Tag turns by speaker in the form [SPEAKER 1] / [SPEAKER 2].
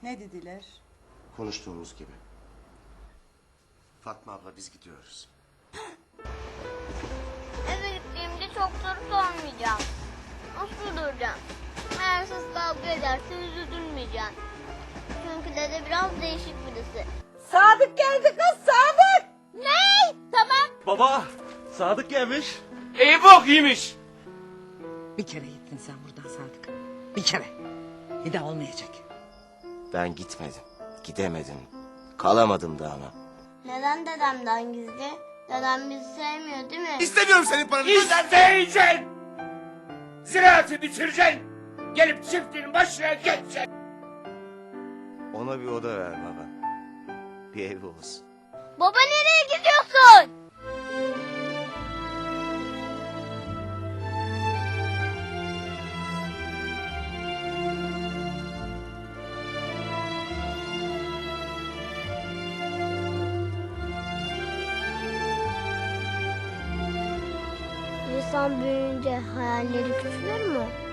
[SPEAKER 1] Ne dediler?
[SPEAKER 2] Konuştuğumuz gibi. Fatma abla biz gidiyoruz.
[SPEAKER 3] Eve gittiğimde çok soru sormayacağım. Nasıl duracağım? Eğer siz kavga ederseniz üzülmeyeceğim. Çünkü dede biraz değişik birisi.
[SPEAKER 1] Sadık geldi kız, Sadık!
[SPEAKER 3] Ne? Tamam.
[SPEAKER 4] Baba, Sadık gelmiş.
[SPEAKER 5] İyi bok yemiş.
[SPEAKER 6] Bir kere gittin sen buradan Sadık. Bir kere. Bir daha olmayacak.
[SPEAKER 2] Ben gitmedim. Gidemedim. Kalamadım da ama.
[SPEAKER 3] Neden dedemden gizli? Dedem bizi sevmiyor değil mi?
[SPEAKER 2] İstemiyorum senin paranı.
[SPEAKER 5] İsteyeceksin. Ziraatı bitireceksin. Gelip çiftliğin başına geçeceksin.
[SPEAKER 2] Ona bir oda ver baba. Bir evi olsun.
[SPEAKER 3] Baba nereye gidiyorsun? İnsan büyüyünce hayalleri küçülür mü?